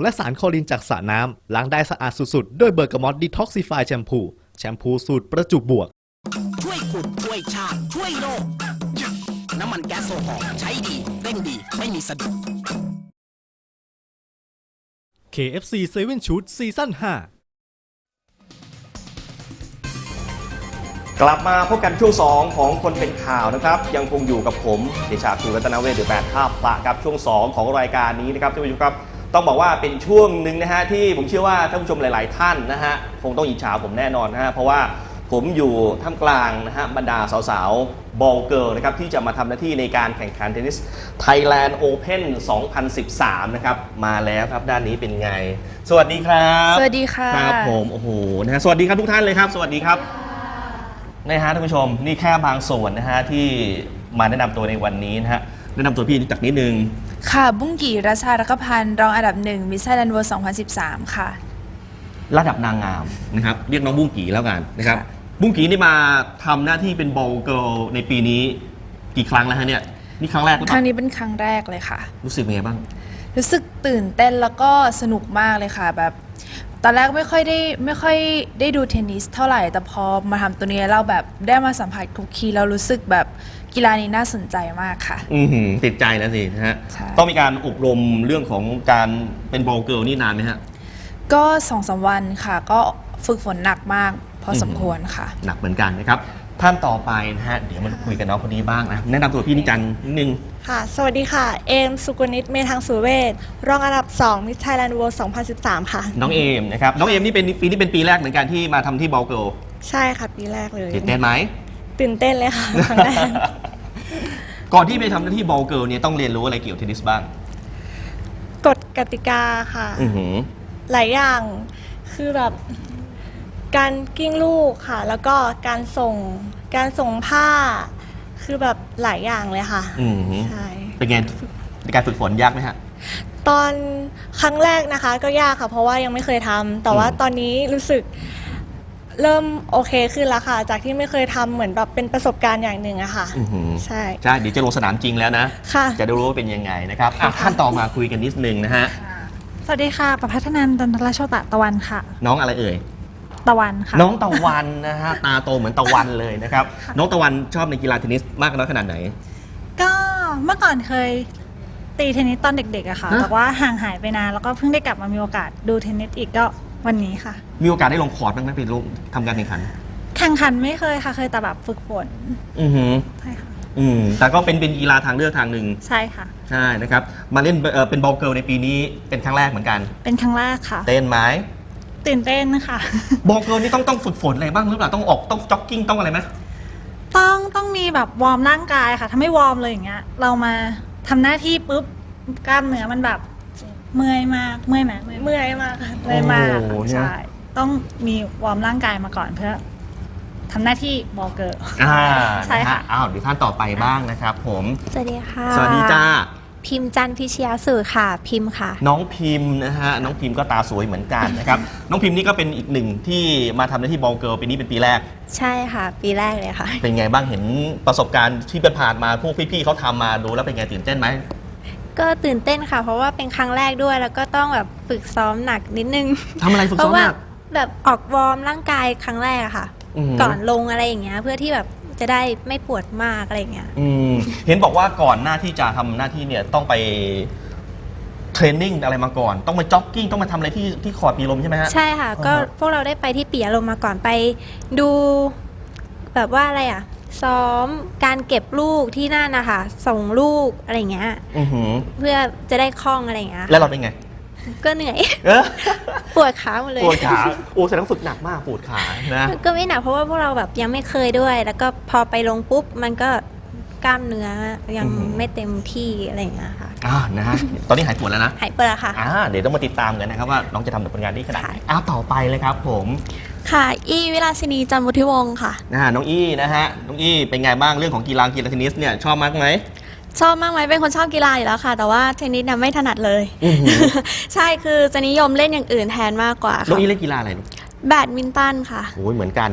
และสารคลอรีนจากสระน้ำล้างได้สะอาดสุดๆด้วยเบอร์กามอตดีท็อกซิฟายแชมพูสูตรประจุบวกช่วยขุดช่วยชาติช่วยโลกน้ำมันแก๊สโซฮอล์ใช้ดีเร่งดีไม่มีสะดุด KFC 7 Shoot ซีซั่น 5 กลับมาพบกันช่วง2ของคนเป็นข่าวนะครับยังคงอยู่กับผมเดชาภูรัตนเวชหรือ8ท่าพระครับช่วง2ของรายการนี้นะครับท่านผู้ชมครับต้องบอกว่าเป็นช่วงหนึ่งนะฮะที่ผมเชื่อว่าท่านผู้ชมหลายๆท่านนะฮะคงต้องอิจฉาผมแน่นอนนะฮะเพราะว่าผมอยู่ท่ามกลางนะฮะบรรดาสาวๆบอลเกิร์ลนะครับที่จะมาทำหน้าที่ในการแข่งขันเทนนิส Thailand Open 2013นะครับมาแล้วครับด้านนี้เป็นไงสวัสดีครับสวัสดีค่ะครับผมโอ้โหนะฮะสวัสดีครับทุกท่านเลยครับสวัสดีครับนะฮะท่านผู้ชมนี่แค่บางส่วนนะฮะที่มาแนะนำตัวในวันนี้นะฮะแนะนำตัวพี่จากนิดนึงค่ะบุ้งกี่รัชชารักพันธ์รองอันดับ1มิสไทยแลนด์เวิลด์2013ค่ะระดับนางงามนะครับเรียกน้องบุ้งกี่แล้วกันนะครับบุ้งกี่นี่มาทำหน้าที่เป็นบอลเกิร์ลในปีนี้กี่ครั้งแล้วฮะเนี่ยนี่ครั้งแรกหรือเปล่าครั้งนี้เป็นครั้งแรกเลยค่ะรู้สึกเป็นไงบ้างรู้สึกตื่นเต้นแล้วก็สนุกมากเลยค่ะแบบตอนแรกไม่ค่อยได้ดูเทนนิสเท่าไหร่แต่พอมาทำตัวนี้เราแบบได้มาสัมผัสคุกคีแล้วรู้สึกแบบกีฬานี้น่าสนใจมากค่ะติดใจแล้วสินะฮะต้องมีการอบรมเรื่องของการเป็นบอลเกิร์ลนี่นานไหมฮะก็2-3 วันค่ะก็ฝึกฝนหนักมากพอสมควรค่ะหนักเหมือนกันนะครับท่านต่อไปนะฮะเดี๋ยวมาคุยกับน้องคนนี้บ้างนะแนะนำตัวพี่นิจันนิดนึงค่ะสวัสดีค่ะเอมสุกุณิตเมธังสุเวชรองอันดับ2มิสไทยแลนด์เวิลด์2013ค่ะน้องเอมนะครับน้องเอมนี่เป็นปีนี้เป็นปีแรกเหมือนกันที่มาทำที่บอลเกิร์ลใช่ค่ะปีแรกเลยตื่นเต้นไหมตื่นเต้นเลยค่ะครั้งแรกก่อนที่ไปทำหน้าที่บอลเกิร์ลเนี่ยต้องเรียนรู้อะไรเกี่ยวกับเทนนิสบ้างกฎกติกาค่ะหลายอย่างคือแบบการกิ้งลูกค่ะแล้วก็การส่งผ้าคือแบบหลายอย่างเลยค่ะใช่เป็นไงในการฝึกฝนยากไหมฮะตอนครั้งแรกนะคะก็ยากค่ะเพราะว่ายังไม่เคยทำแต่ว่าตอนนี้รู้สึกเริ่มโอเคขึ้นแล้วค่ะจากที่ไม่เคยทำเหมือนแบบเป็นประสบการณ์อย่างหนึ่งอะค่ะใช่เดี๋ยวจะลงสนามจริงแล้วนะจะได้รู้ว่าเป็นยังไงนะครับท่านต่อมาคุยกันนิดนึงนะฮะสวัสดีค่ะประภัทนันท์ ดนทรโชตะตะวันค่ะน้องอะไรเอ่ยตะวันค่ะน้องตะวันนะฮะตาโตเหมือนตะวันเลยนะครับน้องตะวันชอบในกีฬาเทนนิสมากน้อยขนาดไหนก็เมื่อก่อนเคยตีเทนนิสตอนเด็กๆอะค่ะแต่ว่าห่างหายไปนานแล้วก็เพิ่งได้กลับมามีโอกาสดูเทนนิสอีกก็วันนี้ค่ะมีโอกาสได้ลงคอร์ตบ้างไหมไปลงทำการแข่งขันไม่เคยค่ะเคยแต่แบบฝึกฝนใช่ค่ะแต่ก็เป็นกีฬาทางเลือกทางหนึ่งใช่ค่ะใช่นะครับมาเล่นเป็นบอลเกิร์ลในปีนี้เป็นครั้งแรกเหมือนกันเป็นครั้งแรกค่ะเต้นไหมตื่นเต้นค่ะบอลเกิร์ลนี่ต้องฝึกฝนอะไรบ้างหรือเปล่าต้องจ็อกกิ้งต้องอะไรไหมต้องมีแบบวอร์มร่างกายค่ะถ้าไม่วอร์มเลยอย่างเงี้ยเรามาทำหน้าที่ปุ๊บกล้ามเนื้อมันแบบเมื่อยมากเมื่อยไหมเมื่อยมากค่ะเมื่อยมากใช่ต้องมีวอร์มร่างกายมาก่อนเพื่อทำหน้าที่บอลเกิร์ลใช่ค่ะเดี๋ยวท่านต่อไปบ้างนะครับผมสวัสดีค่ะสวัสดีจ้าพิมจันพิชยาสื่อค่ะพิมค่ะน้องพิมนะฮะน้องพิมก็ตาสวยเหมือนกันนะครับน้องพิมนี่ก็เป็นอีกหนึ่งที่มาทำหน้าที่บอลเกิร์ลปีนี้เป็นปีแรกใช่ค่ะปีแรกเลยค่ะเป็นไงบ้างเห็นประสบการณ์ที่ผ่านมาพวกพี่ๆเขาทำมาดูแล้วเป็นไงตื่นเต้นไหมก็ตื่นเต้นค่ะเพราะว่าเป็นครั้งแรกด้วยแล้วก็ต้องแบบฝึกซ้อมหนักนิดนึงทำอะไรฝึกซ้อมหนักแบบออกวอร์มร่างกายครั้งแรกอะค่ะก่อนลงอะไรอย่างเงี้ยเพื่อที่แบบจะได้ไม่ปวดมากอะไรอย่างเงี้ยเห็นบอกว่าก่อนหน้าที่จะทำหน้าที่เนี่ยต้องไปเทรนนิ่งอะไรมาก่อนต้องมาจ็อกกิ้งต้องมาทำอะไรที่คอร์ตปีลมใช่ไหมฮะใช่ค่ะก็พวกเราได้ไปที่ปีลมมาก่อนไปดูแบบว่าอะไรอะซ้อมการเก็บลูกที่นั่นนะคะส่งลูกอะไรเงี้ยเพื่อจะได้คล่องอะไรเงี้ยแล้วเราเป็นไงก็เหนื่อยปวดขาหมดเลยปวดขาแสดงฝึกหนักมากปวดขานะก็ไม่หนักเพราะว่าพวกเราแบบยังไม่เคยด้วยแล้วก็พอไปลงปุ๊บมันก็กล้ามเนื้อยังไม่เต็มที่อะไรอย่างเงี้ยค่ะนะฮะตอนนี้หายปวดแล้วนะหายปวดแล้วค่ะเดี๋ยวต้องมาติดตามกันนะครับว่าน้องจะทำผลงานได้ขนาดไหนต่อไปเลยครับผมค่ะอี้วิลาสินีจันทร์วุฒิวงศ์ค่ะน้องอี้นะฮะน้องอี้เป็นไงบ้างเรื่องของกีฬาเทนนิสเนี่ยชอบมากไหมชอบมากไหมเป็นคนชอบกีฬาอยู่แล้วค่ะแต่ว่าเทนนิสเนี่ยไม่ถนัดเลยใช่คือจะนิยมเล่นอย่างอื่นแทนมากกว่าค่ะน้องอี้เล่นกีฬาอะไรแบดมินตันค่ะโอ้ยเหมือนกันนะ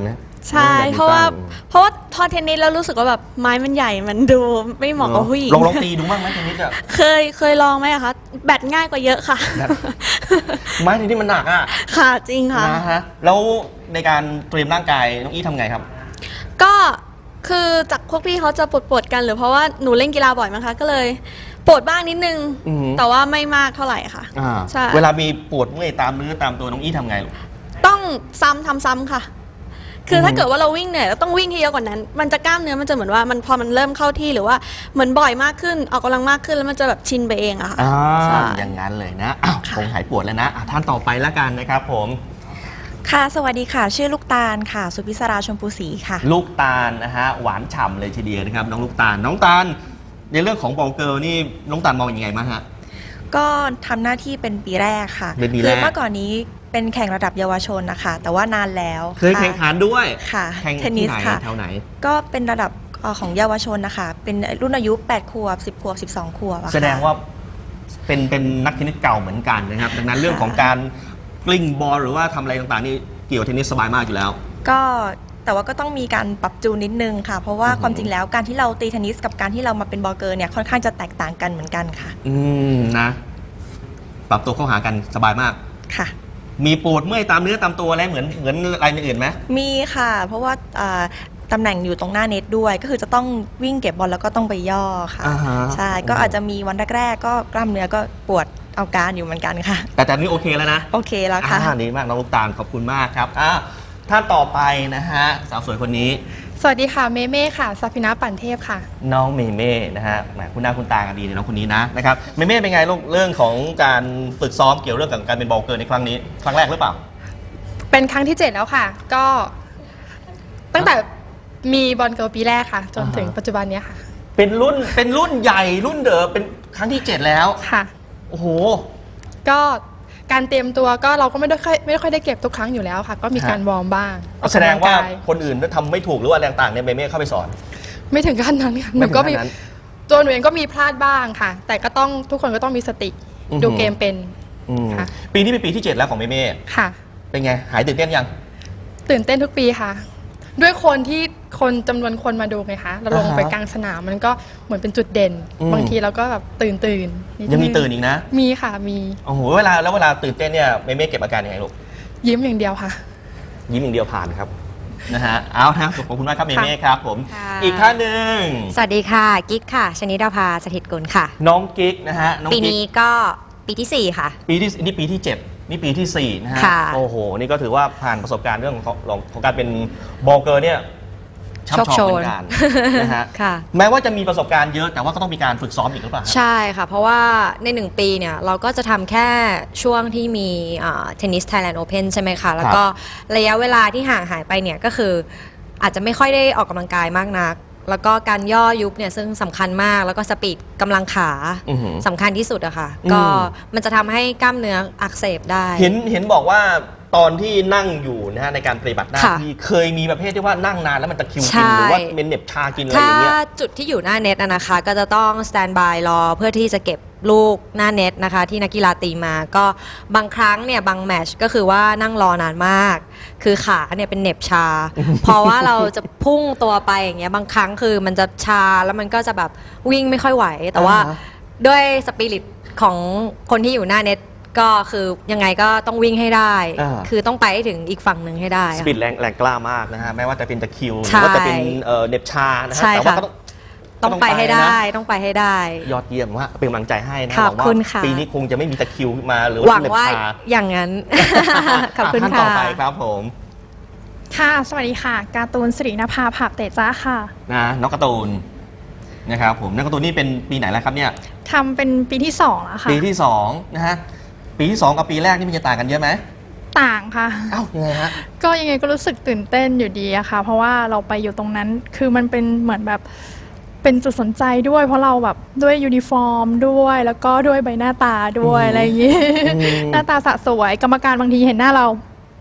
ใช่เพราะว่าพอเทนนิสแล้วรู้สึกว่าแบบไม้มันใหญ่มันดูไม่เหมาะกับผู้หญิงลองตีดูบ้างไหมเทนนิสอ่ะเคยลองไหมอะคะแบดง่ายกว่าเยอะค่ะแบด ไม้เทนนิสมันหนักอ่ะค่ะจริงค่ะนะฮะแล้วในการเตรียมร่างกายน้องอี้ทำไงครับก็คือจากพวกพี่เขาจะปวดๆกันหรือเพราะว่าหนูเล่นกีฬาบ่อยมั้งคะก็เลยปวดบ้างนิดนึงอือหือแต่ว่าไม่มากเท่าไหร่ค่ะ ใช่เวลามีปวดเมื่อยตามเนื้อตามตัวน้องอี้ทำไงลูกต้องทำซ้ำค่ะ คือถ้าเกิดว่าเราวิ่งเหนื่อยเราต้องวิ่งให้เยอะกว่านั้น มันจะกล้ามเนื้อมันจะเหมือนว่ามันพอมันเริ่มเข้าที่หรือว่าเหมือนบ่อยมากขึ้นออกกำลังมากขึ้นแล้วมันจะแบบชินไปเองอะค่ะใช่อย่างนั้นเลยนะอ้าวคงหายปวดแล้วนะท่านต่อไปแล้วกันนะครับผมค่ะ สวัสดีค่ะ ชื่อลูกตาลค่ะ สุพิศราชมพูศรีค่ะลูกตาลนะฮะหวานฉ่ำเลยทีเดียวนะครับน้องลูกตาลน้องตาลในเรื่องของบอลเกิร์ลนี่น้องตาลมองยังไงบ้างฮะก็ทำหน้าที่เป็นปีแรกค่ะเป็นปีแรกคือเมื่อก่อนนี้เป็นแข่งระดับเยาวชนนะคะ แต่ว่านานแล้วเคยแข่งขันด้วยค่ะแข่งเทนนิที่สไหนค่ะแถวไหนก็เป็นระดับของเยาวชนนะคะ เป็นรุ่นอายุ 8 ขวบ 10 ขวบ 12 ขวบอะค่ะแสดงว่าเป็นนักเทนนิสเก่าเหมือนกันนะครับดังนั้นเรื่องของการกลิ้งบอลหรือว่าทำอะไรต่างๆนี่เกี่ยวกับเทนนิสสบายมากอยู่แล้วก็แต่ว่าก็ต้องมีการปรับจูนนิดนึงค่ะ เพราะว่าความจริงแล้วการที่เราตีเทนนิสกับการที่เรามาเป็นบอลเกอร์เนี่ยค่อนข้างจะแตกต่างกันเหมือนกันค่ะนะปรับตัวเข้าหากันสบายมากค่ะมีปวดเมื่อยตามเนื้อตามตัวอะไรเหมือนอะไรอื่นไหมมีค่ะ เพราะว่าตำแหน่งอยู่ตรงหน้าเน็ตด้วย ก็คือจะต้องวิ่งเก็บบอลแล้วก็ต้องไปย่อค่ะอ่าฮะใช่ ก็อาจจะมีวันแรกๆก็กล้ามเนื้อก็ปวดเอาการอยู่เหมือนกันค่ะแต่นี่โอเคแล้วนะโอเคแล้วค่ะดีมากน้องลูกตาลขอบคุณมากครับท่านต่อไปนะฮะสาวสวยคนนี้สวัสดีค่ะ เมเม่ค่ะสัพินาปั่นเทพค่ะน้องเมเม่นะฮะแหมคุณหน้าคุณตากันดีเลยน้องคนนี้นะครับเมเม่เป็นไงลูกเรื่องของการฝึกซ้อมเกี่ยวเรื่องกับการเป็นบอลเกิร์ลในครั้งนี้ครั้งแรกหรือเปล่าเป็นครั้งที่ 7 แล้วค่ะ ก็ตั้งแต่มีบอลเกิร์ลปีแรกค่ะ จนถึงปัจจุบันเนี้ยค่ะเป็นรุ่นใหญ่รุ่นเดอเป็นครั้งที่ 7 แล้วค่ะโอ้โหก็การเตรียมตัวก็เราก็ไม่ค่อยได้เก็บทุกครั้งอยู่แล้วค่ะ ก็มีการวอร์มบ้างออกแสดงกำลัว่ากยคนอื่นทำไม่ถูกหรือว่าอะไรต่างๆเนี่ยเมเม่เข้าไปสอนไม่ถึงขั้นนั้นค่ะหไม่นูถึงก็ขั้มีนนั้นตัวหนูเองก็มีพลาดบ้างค่ะ แต่ก็ต้องทุกคนก็ต้องมีสติอือหือดูเกมเป็น ค่ะปีนี้เป็นปีที่ 7 แล้วของเมเม่ค่ะเป็นไงหายตื่นเต้นยังตื่นเต้นทุกปีค่ะ ด้วยคนจำนวนคนมาดูไงคะเราลงไปอ่าฮะกลางสนามมันก็เหมือนเป็นจุดเด่น บางทีเราก็แบบตื่นนิดยังมีนึตื่นอีกนะมีค่ะมีโอ้โหเวลาตื่นเต้นเนี่ยเมเม่เก็บอาการยังไงลูกยิ้มอย่างเดียวค่ะยิ้มอย่างเดียวผ่านครับนะฮะเอานะขอบคุณมากครับเมเม่ครับผมค่ะอีกท่านหนึ่งสวัสดีค่ะกิ๊กค่ะชนิดาภาสถิตกุลค่ะน้องกิ๊กนะฮะน้องปีกิ๊กนี้ก็ปีที่ 4 ค่ะนี่ปีที่ 7 นี่ปีที่ 4 นะฮะค่ะโอ้โห นี่ก็ถือว่าผ่านประสบการณ์เรื่องของการเป็นบอลเกอร์เนี่ยช่ำชองเหมือนกันนะฮะค่ะแม้ว่าจะมีประสบการณ์เยอะแต่ว่าก็ต้องมีการฝึกซ้อมอีกหรือเปล่าฮะใช่ค่ะ เพราะว่าใน 1 ปีเนี่ยเราก็จะทำแค่ช่วงที่มีเทนนิสไทยแลนด์โอเพนใช่ไหมคะ แล้วก็ระยะเวลาที่ห่างหายไปเนี่ยก็คืออาจจะไม่ค่อยได้ออกกำลังกายมากนัก แล้วก็การย่อยุบเนี่ยซึ่งสำคัญมากแล้วก็สปีดกำลังขาอือหือสำคัญที่สุดอะค่ะอืมก็มันจะทำให้กล้ามเนื้ออักเสบได้เห็นบอกว่าตอนที่นั่งอยู่นะฮะในการปฏิบัติหน้าค่ะที่เคยมีประเภทที่ว่านั่งนานแล้วมันตะคริวใช่กินหรือว่าเป็นเหน็บชากินอะไรอถ้าย่างเงี้ยจุดที่อยู่หน้าเน็ตนะคะ ก็จะต้องสแตนบายรอเพื่อที่จะเก็บลูกหน้าเน็ตนะคะ ที่นักกีฬาตีมาก็บางครั้งเนี่ยบางแมตชก็คือว่านั่งรอนานมาก คือขาเนี่ยเป็นเหน็บชา เพราะว่าเราจะพุ่งตัวไปอย่างเงี้ยบางครั้งคือมันจะชาแล้วมันก็จะแบบวิ่งไม่ค่อยไหว แต่ว่าอ่าฮะด้วยสปิริตของคนที่อยู่หน้าเน็ตก็คือยังไงก็ต้องวิ่งให้ได้ คือต้องไปให้ถึงอีกฝั่งหนึ่งให้ได้สค่ะปีดแรงกล้ามากนะฮะไม่ว่าจะเป็นตะคริวหใช่รือว่าจะเป็นเหน็บชานะฮะใช่แต่ว่าค่ะก็ต้องไปให้ได้นะต้องไปให้ได้ยอดเยี่ยมว่าเป็นกำลังใจให้นะขอบหวังว่าคุณค่ะปีนี้คงจะไม่มีตะคริวมาหรือหวัว่าง เหน็บว่าชาอย่างนั้น ขอบคุณท่านค่ะต่อไปครับผมค่ะ สวัสดีค่ะ การ์ตูนสิรินภาผับเตจ้าค่ะนะน้องการ์ตูนนะครับผมน้องการ์ตูนนี่เป็นปีไหนแล้วครับเนี่ยทำเป็นปีที่2แล้วค่ะปีที่2นะฮะปีที่ 2 กับปีแรกนี่มันจะต่างกันเยอะไหมต่างค่ะอ้าวยังไงฮะก็ยังไงก็รู้สึกตื่นเต้นอยู่ดีอะค่ะ เพราะว่าเราไปอยู่ตรงนั้น คือมันเป็นเหมือนแบบเป็นจุดสนใจด้วย เพราะเราแบบด้วยยูนิฟอร์มด้วย แล้วก็ด้วยใบหน้าตาด้วยอะไรอย่างงี้ หน้าตาสะสวย กรรมการบางทีเห็นหน้าเรา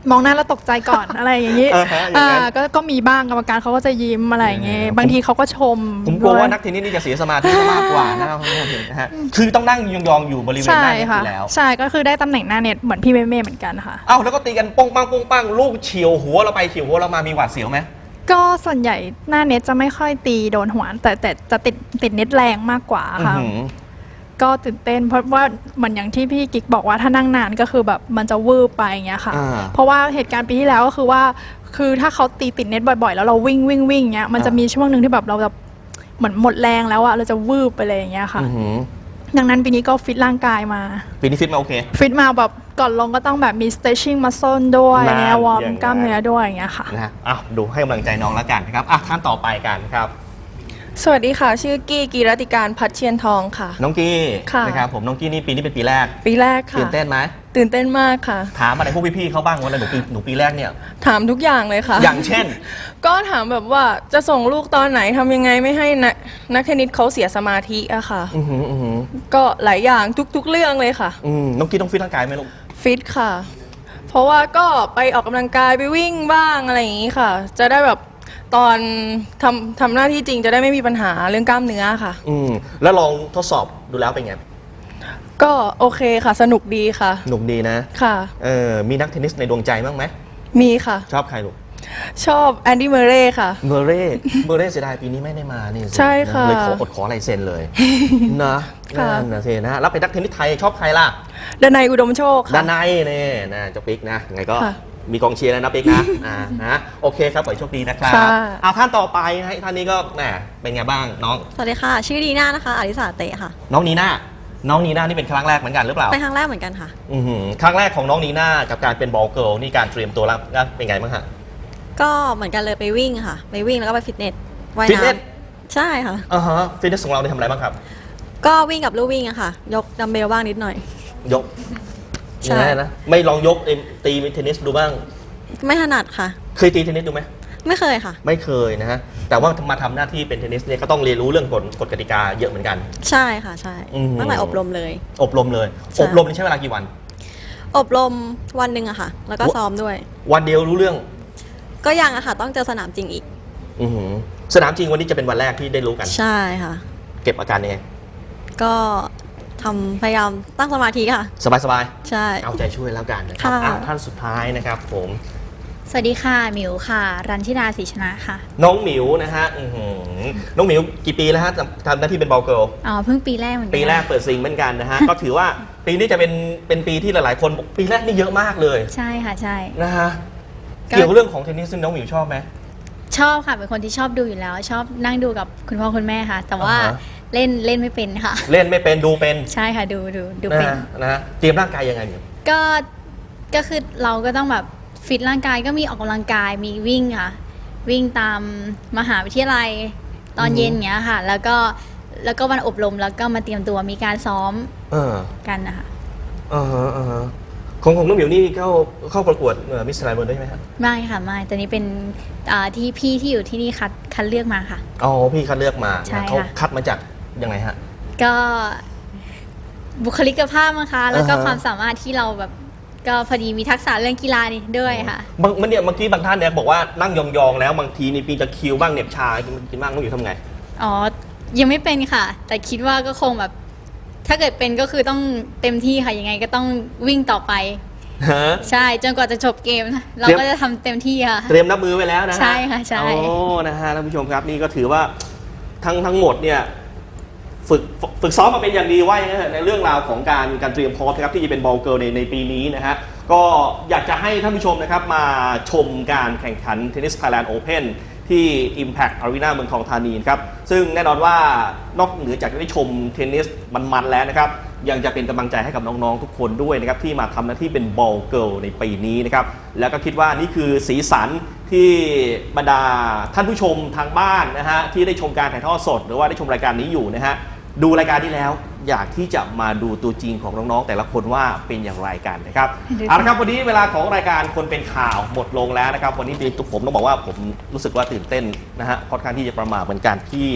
มองหน้าแล้วตกใจก่อน อะไรอย่างนี้อย่างนั้นก็มีบ้างกรรมการเขาก็จะยิ้มอะไรอย่างเงี้ยบางทีเขาก็ชมผมกลัวด้ยว่านักเทนนิสนี่จะเสียสมาธิมากกว่านะครับคุณผู้ชมนะฮะคือต้องนั่งยองๆอยู่บริเวณหใช่น้าเน็ตอค่ะยู่แล้วใช่ก็คือได้ตำแหน่งหน้าเน็ตเหมือนพี่เมย์เหมือนกันค่ะเอ้าแล้วก็ตีกันป้งปังป้งปังลูกเฉียวหัวเราไปเฉียวหัวเรามามีหวาดเสียวไหมก็ส่วนใหญ่หน้าเน็ตจะไม่ค่อยตีโดนหัวแต่จะติดเน็ตแรงมากกว่าค่ะอื้อหือก็ตื่นเต้นเพราะว่าเหมือนอย่างที่พี่กิ๊กบอกว่าถ้านั่งนานก็คือแบบมันจะวืบไปอย่างเงี้ยค่ะ เพราะว่าเหตุการณ์ปีที่แล้วก็คือว่าคือถ้าเขาตีติดเน็ตบ่อยๆ แล้วเราวิ่งเงี้ยมันจะมีช่วงหนึ่งที่แบบเราจะเหมือนหมดแรงแล้วอะเราจะวืบไปเลยอย่างเงี้ยค่ะอื้อหือดังนั้นปีนี้ก็ฟิตร่างกายมาปีนี้ฟิตมาโอเคฟิตมาแบบก่อนลงก็ต้องแบบมี stretching muscle ด้วยนั่นเนี่ยวอร์มอย่างนั้นกล้ามเนื้อด้วยอย่างเงี้ยค่ะนะฮะอ้าวดูให้กำลังใจน้องแล้วกันนะครับท่านต่อไปกันครับสวัสดีค่ะ ชื่อกี้กีรติการพัดเชียนทองค่ะน้องกี้ค่ะนะครับผมน้องกี้นี่ปีนี้เป็นปีแรกปีแรกค่ะตื่นเต้นไหมตื่นเต้นมากค่ะถามอะไรพวกพี่ๆเขาบ้างวันละหนูปีแรกเนี่ยถามทุกอย่างเลยค่ะอย่างเช่นก็ถามแบบว่าจะส่งลูกตอนไหนทำยังไงไม่ให้นักเทนนิสเขาเสียสมาธิอะค่ะอือหืออือหือก็หลายอย่างทุกๆเรื่องเลยค่ะน้องกี้ต้องฟิตร่างกายไหมลูกฟิตค่ะ เพราะว่าก็ไปออกกำลังกายไปวิ่งบ้างอะไรอย่างนี้ค่ะ จะได้แบบตอนทำหน้าที่จริงจะได้ไม่มีปัญหาเรื่องกล้ามเนื้อค่ะแล้วลองทดสอบดูแล้วเป็นไงก็โอเคค่ะ สนุกดีค่ะหนุกดีนะค่ะมีนักเทนนิสในดวงใจบ้างไหมมีค่ะชอบใครลูกชอบแอนดี้เมอร์เร่ค่ะเมอร์เร่เสียดายปีนี้ไม่ได้มานี่สิใช่ค่ะเลยขอลายเซ็นเลย นะค่ะนั่นนะสินะแล้วเป็นนักเทนนิสไทยชอบใครล่ะดนัยอุดมโชคค่ะด้านในนี่นะเจ้าปิ๊กนะยังไงก็ค่ะมีกองเชียร์แล้วนะปิ๊กนะนะโอเคครับขอให้โชคดีนะครับค่ะท่านต่อไปนะท่านนี้ก็แหมเป็นไงบ้างน้องสวัสดีค่ะ ชื่อดีน่านะคะอลิสาเตะค่ะน้องนีน่านี่เป็นครั้งแรกเหมือนกันหรือเปล่าเป็นครั้งแรกเหมือนกันค่ะครั้งแรกของน้องนีน่ากับการเป็นบอลเกิร์ลนี่การเตรียมตัวรับเป็นไงบ้างฮะก็เหมือนกันเลยไปวิ่งค่ะ ไปวิ่งแล้วก็ไปฟิตเนสว่ายฟิตเนสน้ำใช่ค่ะฟิตเนสของเราได้ทำอะไรบ้างครับก็วิ่งกับลู่วิ่งอะค่ะ ยกดัมเบลบ้างนิดหน่อยยกใช่ยังไงนะไม่ลองยกตีเทนนิสดูบ้างไม่ถนัดค่ะเคยตีเทนนิสดูไหมไม่เคยค่ะไม่เคยนะฮะแต่ว่ามาทำหน้าที่เป็นเทนนิสเนี่ยก็ต้องเรียนรู้เรื่องกฎกติกาเยอะเหมือนกันใช่ค่ะใช่อืมตั้งแต่อบรมเลยอบรมเลยใช่อบรมนี่ใช้เวลากี่วันอบรมวันหนึ่งอะค่ะ แล้วก็ซ้อมด้วยวันเดียวรู้เรื่องก็ยังอะค่ะ ต้องเจอสนามจริงอีกอื้อหือสนามจริงวันนี้จะเป็นวันแรกที่ได้รู้กันใช่ค่ะเก็บอาการยังไงก็พยายามตั้งสมาธิค่ะสบายใช่ๆเอาใจช่วยแล้วกันนะครับค่ะท่านสุดท้ายนะครับผมสวัสดีค่ะหมิวค่ะ รันชิดาศรีชนะค่ะน้องหมิวนะฮะน้องหมิวกี่ปีแล้วฮะทำหน้าที่เป็นบอลเกิร์ลอ๋อเพิ่งปีแรกเหมือนกันปีแรกเปิดซิงเหมือนกันนะฮะ ก็ถือว่าปีนี้จะเป็นปีที่หลายๆคนบอกปีแรกนี่เยอะมากเลยใช่ค่ะใช่นะฮะก็เกี่ยวกับเรื่องของเทนนิสซึ่งน้องหมิวชอบไหมชอบค่ะเป็นคนที่ชอบดูอยู่แล้ว ชอบนั่งดูกับคุณพ่อคุณแม่ค่ะ แต่ว่าอ่าฮะเล่นไม่เป็นค่ะเล่นไม่เป็นดูเป็นใช่ค่ะดูนะเป็นฮะนะฮะเตรียมร่างกายยังไงหมิวก็คือเราก็ต้องแบบฟิตร่างกายก็มีออกกำลังกายมีวิ่งค่ะ วิ่งตามมหาวิทยาลัยตอนเย็นอย่างเงี้ยค่ะ แล้วก็วันอบรมแล้วก็มาเตรียมตัวมีการซ้อม กันนะคะของน้องหมิวนี่เข้าประกวดมิสไทยแลนด์ด้วยไหมครับไม่ค่ะไม่ตอนนี้เป็นที่พี่ที่อยู่ที่นี่คัดเลือกมาค่ะอ๋อพี่คัดเลือกมาใช่ค่ะเขาคัดมาจากยังไงฮะก็บุคลิกภาพมั้งคะแล้วก็อ่าฮะความสามารถที่เราแบบก็พอดีมีทักษะเรื่องกีฬานี่ด้วยค่ะเมื่อกี้บางท่านเนี่ยบอกว่านั่งยองๆแล้วบางทีนี่ปีจะคิวบ้างเหน็บชากินบ้างน้องหมิวทำไงอ๋อ ยังไม่เป็นค่ะ แต่คิดว่าก็คงแบบ ถ้าเกิดเป็นก็คือต้องเต็มที่ค่ะยังไงก็ต้องวิ่งต่อไปฮะใช่จนกว่าจะจบเกม เราก็จะทำเต็มที่ค่ะเตรียมรับมือไว้แล้วนะฮะใช่ค่ะใช่โอ้นะฮะท่านผู้ชมครับนี่ก็ถือว่าทั้งหมดเนี่ยฝึกซ้อมมาเป็นอย่างดีว่าอย่างนั้นเถอะในเรื่องราวของการเตรียมพร้อมนะครับที่จะเป็นบอลเกิร์ลในปีนี้นะฮะก็อยากจะให้ท่านผู้ชมนะครับมาชมการแข่งขัน Tennis Thailand Open ที่ Impact Arena เมืองทองธานีครับซึ่งแน่นอนว่านอกเหนือจากจะได้ชมเทนนิสมันๆแล้วนะครับยังจะเป็นกำลังใจให้กับน้องๆทุกคนด้วยนะครับที่มาทำหน้าที่เป็นบอลเกิร์ลในปีนี้นะครับแล้วก็คิดว่านี่คือสีสันที่บรรดาท่านผู้ชมทางบ้านนะฮะที่ได้ชมการถ่ายทอดสดหรือว่าได้ชมรายการนี้อยู่นะฮะดูรายการนี้แล้วอยากที่จะมาดูตัวจริงของน้องๆแต่ละคนว่าเป็นอย่างไรกันนะครับเอาละครับวันนี้เวลาของรายการคนเป็นข่าวหมดลงแล้วนะครับวันนี้ผมต้องบอกว่าผมรู้สึกว่าตื่นเต้นนะฮะค่อนข้างที่จะประหม่าเหมือนกันที่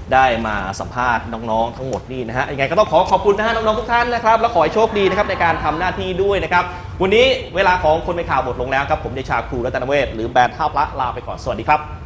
ได้มาสัมภาษณ์น้องๆทั้งหมดนี่นะฮะยังไงก็ต้องขอบคุณนะฮะน้องๆทุกท่านนะครับแล้วขอให้โชคดีนะครับในการทำหน้าที่ด้วยนะครับวันนี้เวลาของคนเป็นข่าวหมดลงแล้วครับผมเดชาครูรัตนเวชหรือแบรนด์ท่าพระลาไปก่อนสวัสดีครับ